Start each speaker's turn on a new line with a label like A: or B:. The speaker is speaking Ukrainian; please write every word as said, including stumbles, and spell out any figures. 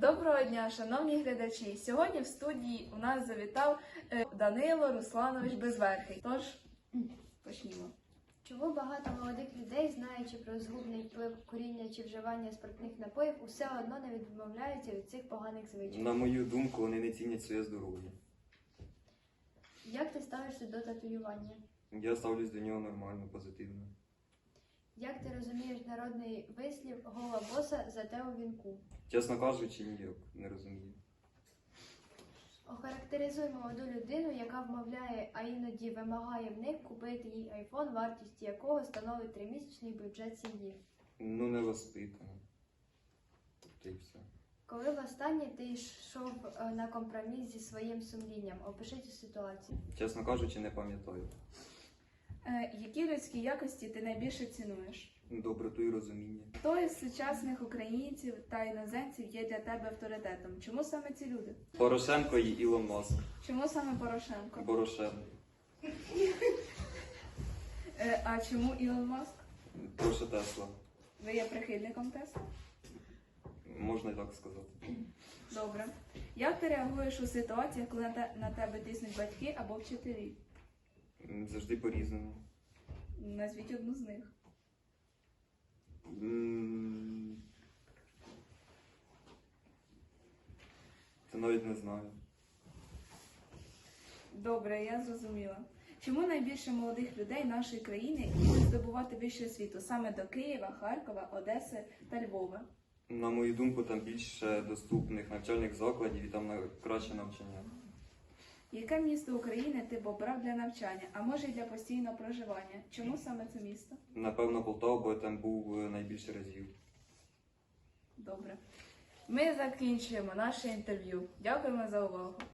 A: Доброго дня, шановні глядачі! Сьогодні в студії у нас завітав е, Данило Русланович Безверхий. Тож, почнімо.
B: Чому багато молодих людей, знаючи про згубний вплив куріння чи вживання спиртних напоїв, усе одно не відмовляються від цих поганих звичок?
C: На мою думку, вони не цінять своє здоров'я.
B: Як ти ставишся до татуювання?
C: Я ставлюсь до нього нормально, позитивно.
B: Як ти розумієш народний вислів «гола боса, зате у вінку»?
C: Чесно кажучи, ніяк не розумію.
B: Охарактеризуй молоду людину, яка вмовляє, а іноді вимагає в них купити їй айфон, вартість якого становить тримісячний бюджет сім'ї.
C: Ну, не воспитано. Тобто і все.
B: Коли востаннє ти йшов е, на компроміс зі своїм сумлінням? Опиши цю ситуацію.
C: Чесно кажучи, не пам'ятаю.
A: Е, які людські якості ти найбільше цінуєш?
C: Доброту і розуміння.
A: Хто із сучасних українців та іноземців є для тебе авторитетом? Чому саме ці люди?
C: Порошенко і Ілон Маск.
A: Чому саме Порошенко?
C: Порошенко.
A: Е, а чому Ілон Маск?
C: Тому що Тесла.
A: Ви є прихильником Тесла?
C: Можна і так сказати.
A: Добре. Як ти реагуєш у ситуаціях, коли на те- на тебе тиснуть батьки або вчителі?
C: Завжди по-різному.
A: Назвіть одну з них.
C: М, Це навіть не знаю.
A: Добре, я зрозуміла. Чому найбільше молодих людей нашої країни їдуть здобувати вищу освіту саме до Києва, Харкова, Одеси та Львова?
C: На мою думку, там більше доступних навчальних закладів і там на- краще навчання.
A: Яке місто України ти б обрав для навчання, а може й для постійного проживання? Чому саме це місто?
C: Напевно, Полтава, бо я там був е, найбільше разів.
A: Добре. Ми закінчуємо наше інтерв'ю. Дякуємо за увагу.